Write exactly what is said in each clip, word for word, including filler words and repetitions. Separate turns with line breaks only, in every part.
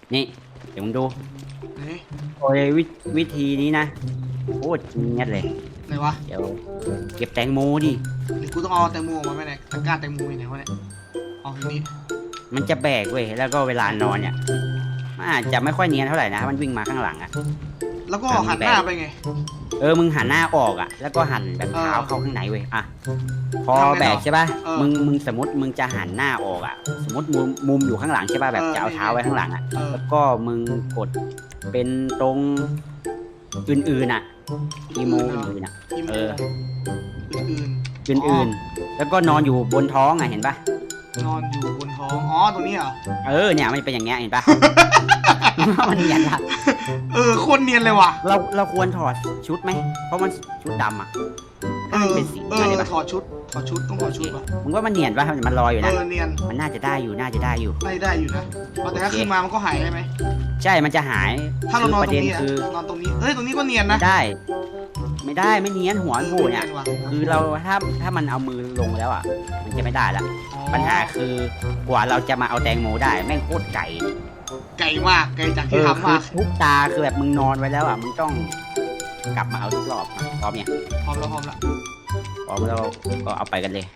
นี่เดี๋ยวมึงดู
ไหน
โอ้ยวิวิธีนี้นะโคตรเงียบเลย
ไหนวะ
เดี๋ยวเก็บแตงโมดิ
หรือกูต้องเอาแตงโมออกมาไหมเนี่ยตะกร้าแตงโมอยู่ไหนวะเนี่ยเอาทีนี้
มันจะแบกเว้ยแล้วก็เวลานอนเนี่ยมันอาจจะไม่ค่อยเนียนเท่าไหร่นะมันวิ่งมาข้างหลังอะ
แล้วก็หันหน้าไปไง
เออมึงหันหน้าออกอะแล้วก็หันแบบเท้าเข้าข้างในเว้ยอะพอแบกใช่ป่ะมึงมึงสมมติมึงจะหันหน้าออกอะสมมติมุมมุมอยู่ข้างหลังใช่ป่ะแบบจะเอาเท้าไว้ข้างหลังอะแล้วก็มึงกดเป็นตรงอื่นๆอะอีโมอื่นๆอะเออ
อื่น
อื่นๆแล้วก็นอนอยู่บนท้องอะเห็นป่ะ
นอนอยู่บนท้องอ๋อตรงนี้เหรอ
เออเนี่ยมันเป็นอย่างเงี้ยเห็นป่ะมันเนียนละ
เออโคตรเนียนเลยว่ะ
เราเราควรถอดชุดไหมเพราะมันชุดดำอะ
เออเออถอดชุดถอดชุดต้องถอดชุดป่ะ
มึงว่ามันเนียนป่ะมันลอยอยู่นะ
เออเนียน
มันน่าจะได้อยู่น่าจะได้อยู่
ได้ได้อยู่นะแต่ถ้าขึ้นมามันก็หายใช่ไหม
ใช่มันจะหาย
ถ้าเรานอนตรงนี้
คือน
อนตรงนี้เฮ้ยตรงนี้ก็เนียนนะ
ได้ ไม่ได้ไม่เนียนหัวโผล่เนี่ยคือเราถ้าถ้ามันเอามือลงแล้วอ่ะมันจะไม่ได้ละปัญหาคือกว่าเราจะมาเอาแตงโมได้แม่งโคตรไก่
ไก่มากไก่จากที่ทำมา
ทุกตาคือแบบมึงนอนไว้แล้วอ่ะมึงต้องกลับมาเอาทุกรอบพร้อมเนี่ย
พร้อมแล้วพร้อมแล้ว
พร้อมแล้วก็เอาไปกันเลย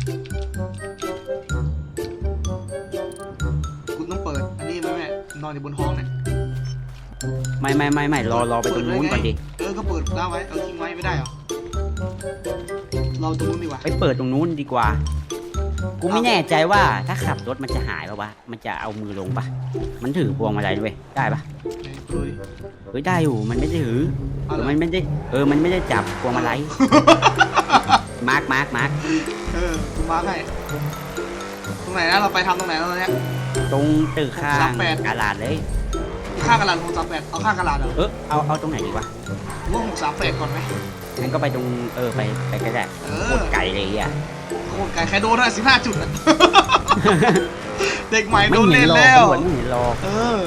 คุณต้องเปิดอันนี้ไหมแม่นอนอยู่บนห้องเนี่ย
ไม่ไม่ไม่ไม่รอรอไปตรงนู้นก่อนดิ
เออก็เปิดได้ไว้เออทิ้งไว้ไม่ได้หรอเราตรงนู้นดีกว่า
ไปเปิดตรงนู้นดีกว่ากูไม่แน่ใจว่าถ้าขับรถมันจะหายป่ะวะมันจะเอามือลงป่ะมันถือพวงมาลัยด้วยได้ป่ะเฮ้ยได้อยู่มันไม่ได้ถือมันไม่ได้เออมันไม่ได้จับพวงมาลัยมาร์กมาร์กมาร์ก
เออกูมาร์กให้ตรงไหนนะเราไปทำตรงไหนแล้วเนี่ย
ตรงตึกข้างกาลาดเลย
ข้างกาลาดหกสามแปดเอาข้างกาลาดเหรอ
เออเอาเอาตรงไหนดีวะ
ว่าหกสามแปดก่อนไหม
งั้นก็ไปตรงเออไปไปก็ได้โคตรไกลเลยอ่ะ
โคตรไกลแค่โดนได้สิบห้าจุดอะเด็กใหม่โดนเล่นแล้ว
ไม่เห็นรอ
เออ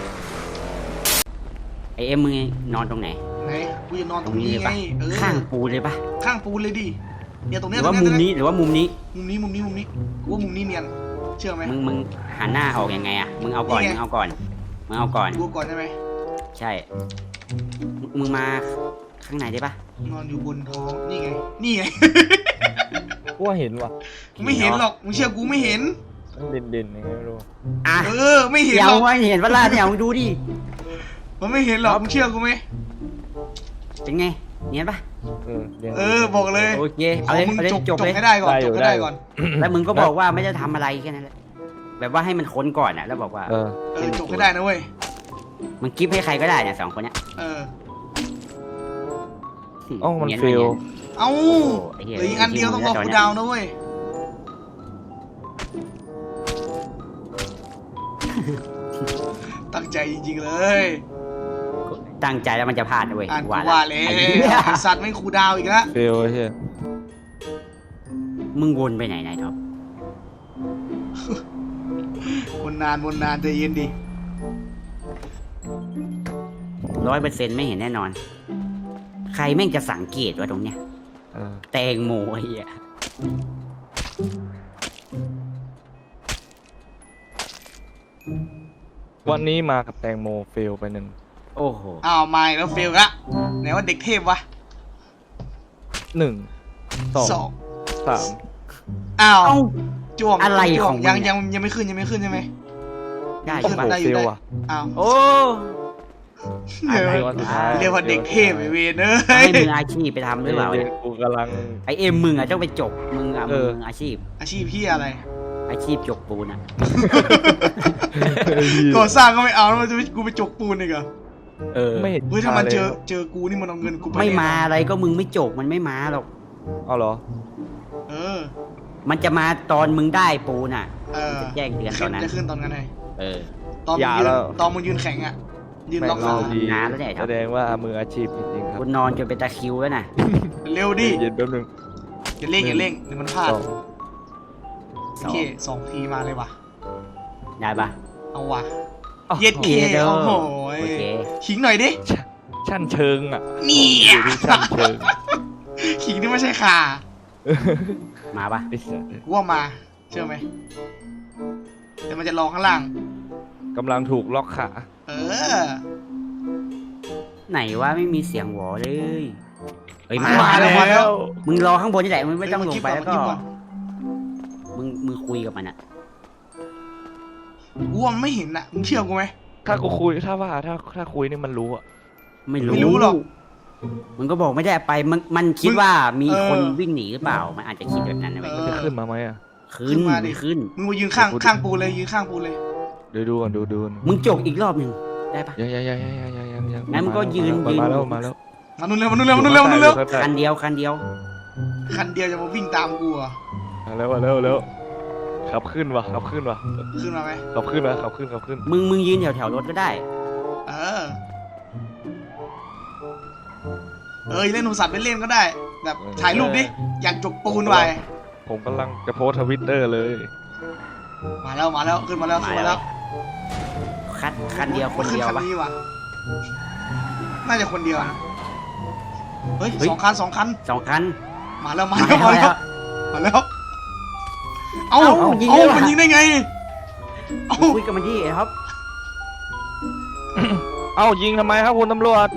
ไอเอ็มมึงนอนตรงไหน
ไหนกูจะนอนตรงนี้ไง
ข้างปูเลยปะ
ข้างปูเลยดิเนี่ยตรงนี้
หรือว่ามุมนี้หรือว่ามุมนี้
มุมนี้มุมนี้มุมนี้กูว่ามุมนี้เนียนเชื่อไหม
มึงมึงหันหน้าออกยังไงอ่ะมึงเอาก่อนมึงเอาก่อนมึงเอาก่อน
กูก่อนใช่ไหม
ใช่มึงมาข้างในได้ปะ
นอนอยู่บนท้องนี่ไงนี่ไง
กูว่าเห็นว่ะ
ไม่เห็นหรอกมึงเชื่อกูไม่เห็น
เด่นเด่นยังไงไม่รู้
อ่ะ
เออไม่เห็นหรอก
ไม่เห็นว่าล่าเนี่ยมึงดูดิ
มันไม่เห็นหรอกมึงเชื่อกูไหม
เป็นไงเนียนปะ
เออ
เออบอกเลย
โอเคเอาเลยเอาเลยจบเลย
ให้ได้ก่อนจบให้ได้ก่อน
แล้วมึงก็บอกว่าไม่ได้ทำอะไรแค่นั้นแหละแบบว่าให้มันค้นก่อนอ่ะแล้วบอกว่า
เออ
จบให้ได้นะเว้ย
มันกิฟให้ใครก็ได้เนี่ยสองคนเนี้ย
เออ
อ๋อมันฟิล
เอ้าเหลืออีกอันเดียวต้องบอกกูดาวนะเว้ยตั้งใจจริงๆเลย
ตั้งใจแล้วมันจะพลาดนะเว้ย
ว่าเลยสัตว์ไม่คูดาวอีกแล้ว
ฟิลใช่
มึงวนไปไหนไหนท็อป
วนนานวนนานใจเย็นดิ
ร้อยเปอร์เซ็นต์ไม่เห็นแน่นอนใครแม่งจะสังเกตว่าตรงเนี้ยแตงโมไอ้เหี้ย
วันนี้มากับแตงโมเฟลไปหนึ่ง
โอ้โห
อ้าวมาแล้วเฟลละไหนว่าเด็กเทพวะ
หนึ่งสองสาม
อ้าวจ้วง
อะไรของ
ยังยังยังไม่ขึ้นยังไม่ขึ้นใช่ไหม
ได้
ขึ้นได้อยู่ได้
อ้าว
โอ้
เรียกว่าเด็กเทพไอเวนเอ้
ยให้มืออาชีพไปทำด้วยเปล่า
กูกำลัง
ไอเอ็มมึงอ่ะต้องไปจบมึงอ่ะมึงอาชีพ
อาชีพพี่อะไร
อาชีพจกปูนอ่ะ
ก่อสร้างก็ไม่เอาแล้วจะกูไปจกปูนอีกเหรอ
เออ
ไม่เห็น
เฮ้ยถ้ามันเจอเจอกูนี่มันเอาเงินกูไป
ไม่มาอะไรก็มึงไม่จกมันไม่มาหรอก
เอาเหรอ
เออ
มันจะมาตอนมึงได้ปูนอ่ะ
เออ
จะแจ้งเตือนตอนนั้น
จะขึ้นตอนนั้นไง
เออ
ตอนมึงยืนตอนมึงยืนแข็งอ่ะยืนล็อกขา
น้าแล้วเนี่ย
แสดงว่ามืออาชีพจริงๆครับ
คุณนอนจนเป็นตะคิวแล้วนะ
เร็วดิ
เย็นแป๊บนึง
อย่าเร่งอย่าเร่งเดี๋ยวมันพลาดโอเคสองทีมาเลยว่ะ
ได้ปะ
เอาว่ะเย็ดเคโอ้โหขิงหน่อยดิ
ชั้นเชิงอ่ะ
นี่
ชั้นเชิง
ขิงที่ไม่ใช่ขา
มาปะ
กูว่ามาเชื่อไหมแต่มันจะรอข้างล่าง
กำลังถูกล็อกขา
เออ
ไหนว่าไม่มีเสียงหวอเลยเฮ้ยมา
มา
แล้
แล้ว ว
มึงรอข้างบนนี่แหละมึงไม่ต้อง
เฮ้ย
ลงไปแล้วก็
เมื่อกี้ก่อน
มึงมึงคุยกับมันอะ
กูว่ามันไม่เห็นน่ะมึงเชื่อกูไหม
ถ้ากูคุยถ้าว่าถ้าถ้าคุยนี่มันรู้อะ
ไม่รู้
ไม่รู้หรอก
มึงก็บอกไม่ได้ไปมันมันคิด
มึง
ว่ามี
เออ
คนวิ่งหนีหรือเปล่ามันอาจจะคิดแบบนั้นนะเว้ย
เอ
มันจะขึ้นมาไหมอะ
ขึ้
ขึ้
น
นมาดิ
ขึ้น
มึงมายืนข้างข้างปูเลยยืนข้างปูเลย
เดี๋ยวดูก่อนดูดูก่อน
มึงจกอีกรอบหนึ่งได้ปะ
ยังยังยังยังยังยังยังยัง
งั้นมึงก็ยืน
มา
ยืน
มาแล้วมาแล้ว
มานู่นเร็วมานู่นเร็วมานู่นเร็วมานู่นเร็ว
คันเดียวคันเดียว
คันเดียวจะมาวิ่งตามกูเหรอ่ะ
มาแล้วมาแล้วมาแล้วขับขึ้นวะขับขึ้นวะ
ขึ้นมาไหม
ขับขึ้นวะขับขึ้นขับขึ้น
มึงมึงยืนแถวแถวรถก็ได้
เออเออเล่นโทรศัพท์เล่นๆก็ได้ แบบถ่ายรูปดิอยากจกปูนไว้
ผมกำลังจะโพสทวิตเตอร์เลย
มาแล้วมาแล้วขึ้นมาแล้วขึ้นมาแล้ว
คันคันเดียวคนเดียว
ขึ้
ปะ
คันนี้ว่ะน่าจะคนเดียวนะเฮ้ย
เฮ้ย
สองคันสองคัน
สองคัน
มาแล้วมา
มา
แล้วมา
แล้
แล้ว
ว
มาแล้วเอ้า
เอ้า
เอ้า
ยิงได้ว่ะ
มันยิงได้ไงเอ้า
คุยกับมันที่ครับ
เอ้ายิงทำไมครับคุณตำรวจ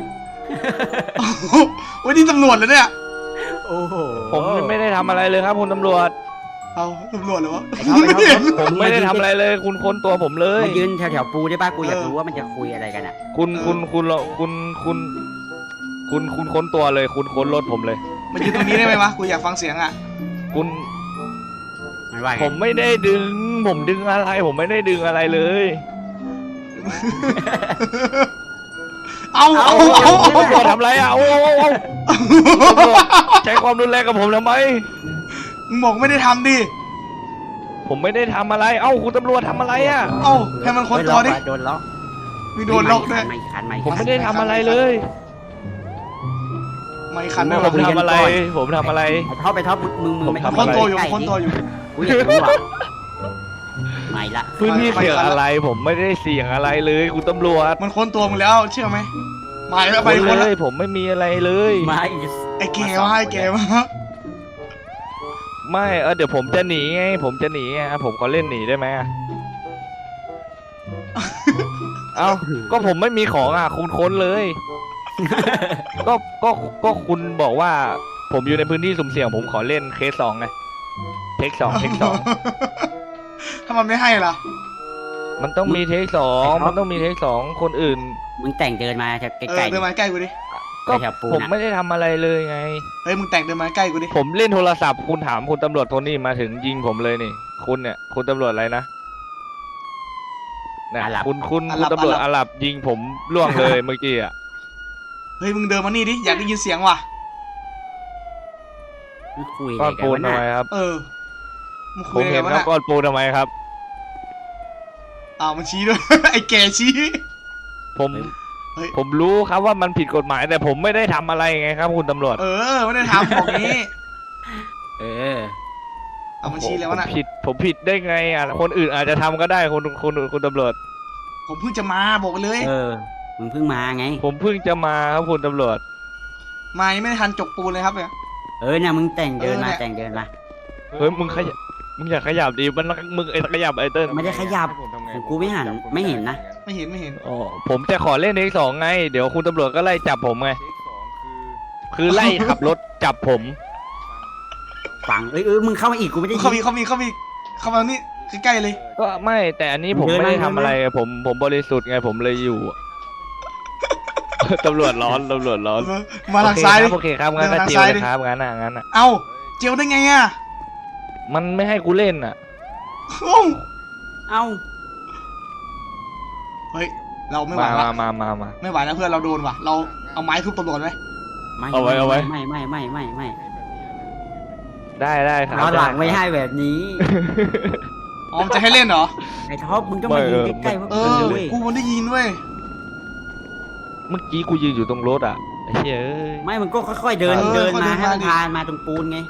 โอ้ยนี่ตำรวจเลยเนี่ย
โอ้โห
ผมไม่ได้ทำอะไรเลยครับคุณตำรวจ
เอาตำรวจเลยวะ
ไอ้ท็อปไอ้ท็อป
ไม่เห็น
ผมไม่ได้ทำอะไรเลย คุณค้นตัวผมเลย
มายืนแถวแถวปูได้ป่ะกูอยาก
เออ
รู้ว่ามันจะคุยอะไรกันอ่ะ
คุณคุณคุณคุณคุณคุณคุณค้นตัวเลย คุณค้นรถผมเลย
มายืนตรงนี้ได้ไหมวะกูอยากฟังเสียงอ่ะ
คุณ
มันว่าไง
ผมไม่ได้ดึง ผมดึงอะไร ผมไม่ได้ดึงอะไรเลย
เอาเอา
เอา
เอา
เอา
เอา
ตำรวจทำอะไรอ่ะเอาเอาเอาใช้ความรุนแรงกับผมทำไม
มึงบอกไม่ได้ทำดิ
ผมไม่ได้ทำอะไร เอ้าคุณตำรวจทำอะไรอ่ะ
เอ้าให้มันค้นตัวดิ
โดนล็อก
มีโดนล็อกด้วย
ไม่คันไม่
ผม
คัน
ไม่ได้ทำอะไรเลย
ไม่คัน
ไม่
ด้วย
ผม
วะ
ทำอะไร ผมทำอะไร
ไอ้ท็อปไปท็อปมึงมึง
ผม
ไม่
ทำ
ค้น
อะไร
ตัวอยู่
ใกล้
ค้นตัวอยู่
กูอยากรู้อ่ะไม่ละ
พื้นที่เสี่ยงอะไร ผมไม่ได้เสี่ยงอะไรเลย คุณตำรวจ
มันค้นตัวมึงแล้วเชื่อไหมมาแล้วไป
คน
ค้น
เล
แล้ว
ย ผมไม่มีอะไรเลย
ไม่
ไอ้แกวะไอ้แกวะ
ไม่ เออเดี๋ยวผมจะหนีไง ผมจะหนีไงผมขอเล่นหนีได้ไหมอะเอ้า ก็ผมไม่มีของอ่ะ คุณค้นเลย ก็ ก็ ก็คุณบอกว่า ผมอยู่ในพื้นที่สุ่มเสี่ยง ผมขอเล่นเคสสองไง เทคสองเทคสอง
ถ้ามันไม่ให้ล่ะ
มันต้องมีเทคสองมันต้องมีเทคสองคนอื่น
มึงแต่งเดินมาแถว
เอ
ไกล
อเดินมาใกล้กูดิ
ก็
แถวปู
ผม
น่ะ
ไม่ได้ทำอะไรเลยไง
เฮ้ยมึงแต่งเดินมาใกล้กูดิ
ผมเล่นโทรศัพท์คุณถามคุณตำรวจโทนี่มาถึงยิงผมเลยนี่ คุณเนี่ย คุณตำรวจอะไรนะเนี่ยคุณคุณคุณตำรวจอาหรับยิงผมล่วงเลยเมื่อกี้อ่ะ
เฮ้ยมึงเดินมานี่ดิอยากได้ยินเสียงว่ะ
มึงคุย
ก้
อะ
อน
ไรกัน
ปูน
วะ
ทำ
น่ะ
ไมครับ
เออมึง
ผ
คุย
ม
อะไร
เห็น
วะ
ครับ
น่ะ
ก้อนปูนทำไมครับ
อ้าวมันชี้ด้วย ไอ้แกชี้
ผม
เฮ้ย
ผมรู้ครับว่ามันผิดกฎหมาย แต่ผมไม่ได้ทำอะไรไงครับ คุณตำรวจ
เออไม่ได้ทำบอกนี้
เออ
เอามันชี้เลยวะน่ะ
ผมผิดผมผิดได้ไงอ่ะคนอื่นอาจจะทำก็ได้คุณคุณคุณตำรวจ
ผมเพิ่งจะมาบอกไปเลย
เออมึงเพิ่งมาไง
ผมเพิ่งจะมาครับคุณตำรวจ
มายังไม่ได้ทันจกปูนเลยครับเนี่ย
เออเนี่ยมึงแต่งเดินมา
เออเนี่ย
แต่งเดินมา
เฮ้ยมึงขยับมึงอย่าขยับดิมันมึงไอ้ขยับไอ้เติ้ล
ไม่ได้ขยับของกูไม่หันไม่เห็นนะ
ไม่เห็นไม่เห็น
อ๋อผมจะขอเล่นเทคสองไง เดี๋ยวคุณตำรวจก็ไล่จับผมไงคือไล่ขับรถจับผม
ฝังเอ้ยเออมึงเข้ามาอีกกูไม่ได้
เขามี
ยิน
เขามีเขามีเข้ามานี่ใกล้ๆเลย
ก็ไม่แต่อันนี้ผม
เดิน
ไม่ได้
มา
ทำอะไร
เดินมา
ผมผมบริสุทธิ์ไงผมเลยอยู่ ตำรวจร้อนตำรวจร้อน
มาทางซ้ายดิ
โอเคครับโอเคครับงั้นก็
เดินมาทาง
เจียว
ซ้าย
เล
ดิ
ยครับงั้นอ่ะงั้นอ่ะ
เอ้าเจียวได้ไงอ่ะ
มันไม่ให้กูเล่นอ่ะ
โอ้
เอ้า
เฮ้ยเราไม่ไหว
มา
ละ
มามามามา
ไม่ไหวแล้วเพื่อนเราโดนว่ะเราเอาไม้ทุบตำรวจไหม
ไม่
เอาไว้เอาไว้
ไม่ไม่ไม่ไม่ไม่
ได้ได้ครับ
เอาหลังไม่
ด้
ให้แบบนี้
อ๋อมันจะให้เล่นเหรอ
ไอ้ท็อปมึงต้องมายืนใกล้ๆพวก
เอ
กู
อ
เว้ย
กูมันได้ยินเว้ย
เมื่อกี้กูยืนอยู่ตรงรถอ่ะไอ้เหี้ยเอ้ย
ไม่มึงก็ค่อยๆเดิน
เออ
เดิน
ค่อยๆ
มา
เดิน
ให้
มา
มัน
ดิ
พานมาตรงปูนไง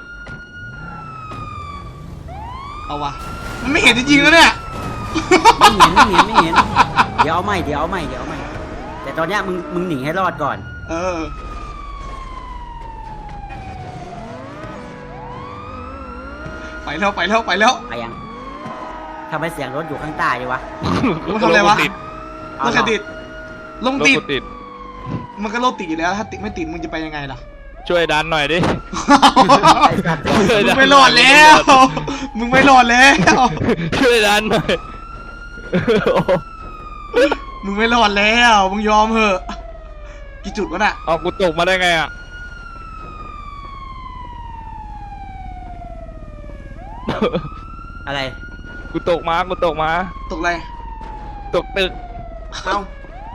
เอาว่ะมันไม่เห็นจริงๆแล้วเนี่ย
ไม่เห็นไม่เห็นไม่เห็นเดี๋ยวเอาใหม่เดี๋ยวเอาใหม่เดี๋ยวเอาใหม่แต่ตอนเนี้ยมึงมึงหนีให้รอดก่อน
เออไปแล้วไปแล้วไปแล้ว
ไปยัง ถทำไมเสียงรถอยู่ข้างใต้ดีวะ
มันทำอะไรวะ
ติด
รถใครติดลง
รถ
ติด
กูติด
มันก็รถติดอยู่แล้ว ถ้าติดไม่ติดมึงจะไปยังไงล่ะ
ช่วยดันหน่อยดิ
ไอ้สัตว์
มึงไม่รอดแล้ว มึงไม่รอดแล้ว
ช่วยดันหน่อย
มึงไม่รอดแล้ว มึงยอมเหอะ กี่จุดวะน่ะ
เอากูตกมาได้ไงอ่ะ
อะไร
กูตกมากูตกมา
ตกอะไร
ตกตึก
เอ้า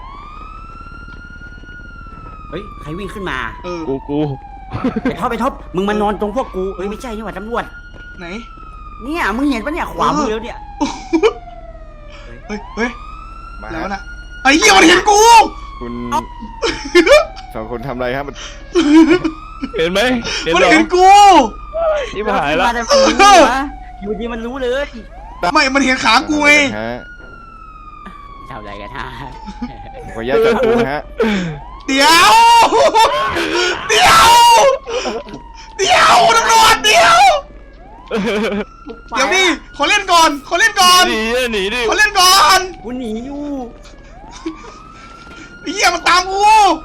เฮ้ยใครวิ่งขึ้นมา
เออ
กูกู
ไปท็อปไปท็อปมึงมานอนตรงพวกกูเอ้ยไม่ใช่นี่หว่าตำรวจ
ไหน
เนี่ยมึงเห็นปะเนี่ยขวามือแล้วเนี่ย
เฮ้ย เฮ้ย
มา
แล้วน่ะ ไอ้เหี้ยมันเห็นกู
คุณสองคนทำอะไรครับมัน
เห็นไหมเห็น
มัน
เหรอ
เห็นกู
ที่หายละ
มาแต่กูรู้วะอยู่ดีมันรู้เลย
ไม่ มันเห็นขากูไง
ฮะ
ทำอะไรกันฮะ
ขออนุญาตจับกูนะฮะ
เดี๋ยว เดี๋ยว เดี๋ยวตำรวจเดี๋ยว เดี๋ยวนี่ขอเล่นก่อน ขอเล่นก่อน
หนีอะหนีดิ
ขอเล่นก่อน
กูหนีอยู่
ไอ้เหี้ยมันตามกู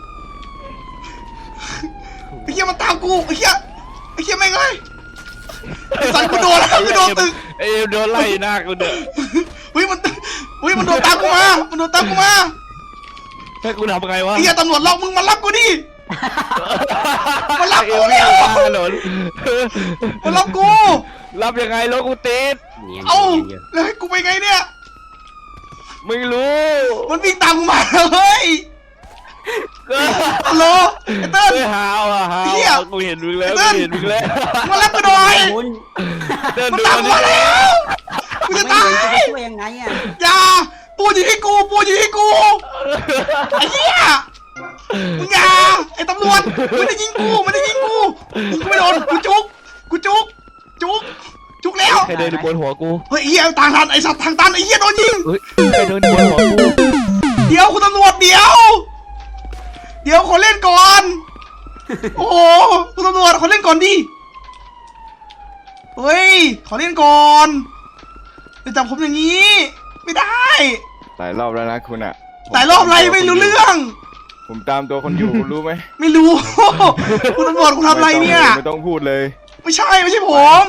ไอ้เหี้ยมันตามกู ไอ้เหี้ย ไอ้เหี้ยแม่งเลยไอ้สันกูโดนแล้วกูโดนตึก
ไอ้โดนไล่หน้ากูเด้อ
เฮ้ยมันเฮ้ยมันโดนตามกูมา มันโดนตามกูมา
ให้กูทำไงวะ
ไอ้เหี้ยตำรวจล็อกมึงมารับกูดิ มารับกู
เอ
เนี่ย
วถนน
มารับกู
รับยังไงรถกูติด
เนียน
เอ้า
เนียนเยอะ
แล้วให้กูไปไงเนี่ย
ไม่รู้
มันวิ่งตามกูมาเฮ้ย
ก็
ฮัลโหลไอ้เติ้ล
ไม่หาวอ่ะหาว
เหี้ย
อ่ะกูเห็นมึงแล้ว
ไอ้เติ้
กู
ล
เห็นมึงแล้ว
มารับกูหน่อย
คุณ
เดิน
มัน
ดู
ตาม
มัน
กูมาแล้วกู
ไม่
จะ
เห็น
ตาย
จะช่วยยังไงอ่ะ
อย่าปูอยู่ที่กูปูอยู่ที่กูไอ้เหี้ยมึงอย่าไอ้ตำรวจไม่ได้ยิงกูไม่ได้ยิงกูยิงกูไม่โดนกูจุกกูจุกจุกจุกแล้ว
ใครเดินอยู่บนหัวกู
เฮ้ยไอ้เหี้ยทางตันไอ้สัตว์ทางตันไอ้เหี้ยโดนยิง
เฮ้ยใครเดินอยู่บนหัวกู
เดี๋ยวคุณตำรวจเดี๋ยว เดี๋ยวขอเล่นก่อน โอ้โหคุณตำรวจขอเล่นก่อนดิเฮ้ยขอเล่นก่อนจะจับผมอย่างนี้ ไม่ได้
หลายรอบแล้วนะคุณอ่ะ
หลายรอบอะไรไม่รู้เรื่อง
ผมตามตัวคนอยู่คุณรู้ไหม
ไม่รู้ คุณตำรวจคุณทำอะไรเนี่ย
ไม่ต้องพูดเลย
ไม่ใช่ไม่ใช่ผม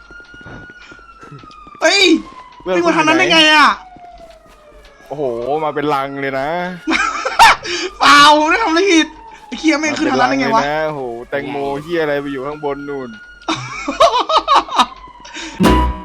เฮ้ย
เพื่อน
วิ่ง
คุ
มา
ณ
ทางนั้น
อยู่
ได้
ห
ไงอ่ะ
โอ้โหมาเป็นลังเลยนะ
เปล่าไม่ได้ทำอะไรผิดไอ้เคียไม่งขึ้นทางนั้นได้ไงวะ
มาเป็นลังเลยนะโอ้โหแตงโมเฮียอะไรไปอยู่ข้างบนนู่น